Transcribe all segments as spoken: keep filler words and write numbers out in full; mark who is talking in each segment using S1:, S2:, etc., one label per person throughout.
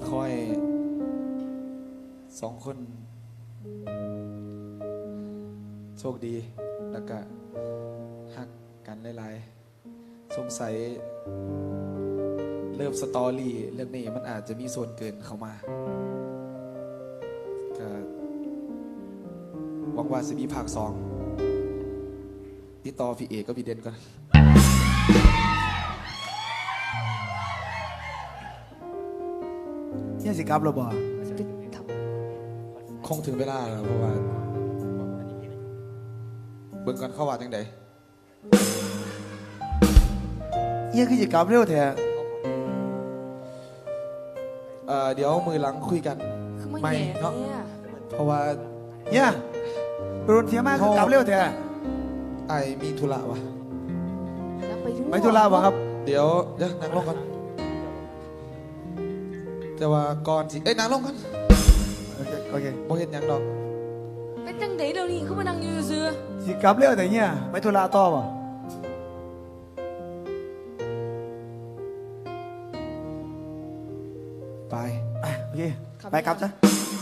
S1: คอยสองคนโชคดีแล้วก็ฮักกันหลายๆสงสัยเริ่มสตอรี่เรื่องนี้มันอาจจะมีส่วนเกินเข้ามาก็หวังว่าจะมีภาคสองติดต่อพี่เอกก็พี่เด่นก่อน
S2: เนี่ยสิครับเราบอก
S1: คงถึงเวลาแล้วเพราะว่าเบิ่งก่อนเข้าว่าจังใด
S2: เนี่ยคือสิครับเร็วแท้
S1: เอ่อเดี๋ยวมือหลังคุยกัน
S3: คือไม่
S1: ไม่
S3: แย่
S1: เนาะ
S3: เนี่ย
S1: เพราะว่า
S2: เนี่ยโดนเทียมากคือกลับเร็วแท้
S1: ไอ้มีธุระวะ
S3: แล้วไปด้วย
S2: ไม่ธุระบ่ครับ
S1: เดี๋ยวเดี๋ยวนั่งลงก่อนแต่ว่าก่อนสิเอ้ยนั่งลงก่อน
S2: โอเคโอเค
S1: บ่เห็นหยังดอก
S3: เป็นจังไดเดี๋ยวนี้คือมานั่งอยู่ซื่อ
S2: สิกลับเร็วแต่เนี่ยไม่ธุระต่อบ่
S1: ไป
S2: อ่ะโอเคไปกลับซะ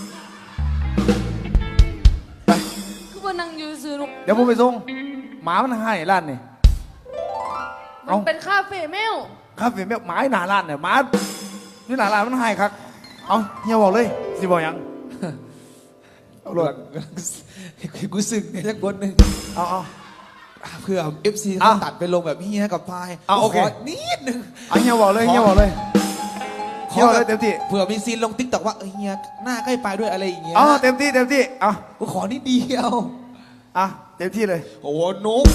S3: คือมานั่งอยู่ซื่อลูก
S2: เดี๋ยวผมไปส่งหมามันให้ร้านนี่
S3: มั
S2: เอ้า
S3: นเป็นคาเฟ่แมว
S2: ครับเป็นแบบหมาหน้าร้านเนี่ยหมานี่หน้าร้านมันให้ครับเอาเฮียบอกเลยสิบอกหยัง
S1: เอาหลดกูสึกเนี่ยสักคนหนึ่ง
S2: เอาเอา
S1: เพื่อ เอฟ ซี
S2: อ่ะ
S1: เขาตัดไปลงแบบเฮียกับพาย
S2: อ่ะโอเค
S1: ขนิดนึง
S2: เอาเฮียบอกเลยเฮียบอกเลยเฮียบอกเลยเต็มที่
S1: เผื่อมีซีนลงติ๊กต็อกว่าเออเฮียหน้าใกล้ไปด้วยอะไรอย่างเงี้ย
S2: เอาเต็มที่เต็มที่เอา
S1: กูขอนิดเดียว
S2: อ่ะเต็มที่เลย
S1: โอ้โหนุ๊ก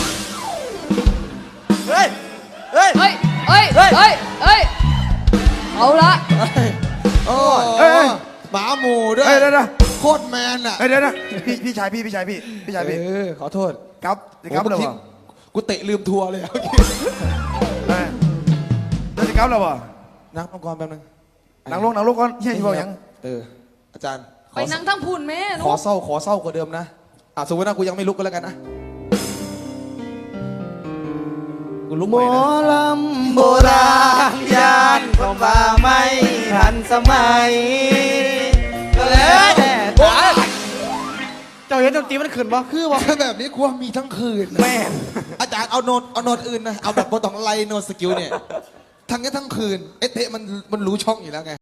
S2: เฮ้ยเฮ้ย
S3: เฮ้ยเฮ้ย
S2: เฮ้ย
S3: เฮ้ยเฮ้ยเอาละ
S1: โอ้
S2: เอ้ยเอ้ย
S1: หมาหมูด้วย
S2: เฮ้ยเดี๋ยวเดี๋ยว
S1: โคตรแมนอ่ะ
S2: เฮ้ยเดี๋ยวนะพี่พี่ชายพี่พี่ชายพี่พี่ชายพี่
S1: เออขอโทษ
S2: ครับสิครับ
S1: โอ้
S2: เรา
S1: เมื่อกี้
S2: บ่
S1: กูเตะลืมทัวร์เลยโอเค
S2: เฮ้ยเดี๋ยวสิครับเราบ่
S1: นั่งลงก่อนแป๊บนึง
S2: นั่งลงนั่งลงก่อนเฮียสิบอกหยัง
S1: เอออาจารย์ข
S3: ไป
S1: อ
S3: นั่งทั้งพูนแม่ลู
S1: ขอก เศร้าขอเศร้ากว่าเดิมนะอ่ะสมมติว่ากูยังไม่ลุกก็แล้วกันนะกูลุก
S2: ห
S1: ให
S2: ม
S1: ม่
S2: อ
S1: นะ
S2: ลำโบราณยานก็มาไม่ทันสมัยก็แล้วเจ้าเห็นดนตรีมันขึ้นบ่คือบ่
S1: ถ้าแบบนี้กูว่ามีทั้งคืนนะ
S2: แม่น
S1: อาจารย์เอาโน้ตเอาโน้ตอื่นนะเอาแบบโปรตองไลโน้ตสกิลเนี่ยทั้งนี้ทั้งคืนไอ้เตะมันมันรู้ช่องอยู่แล้วไง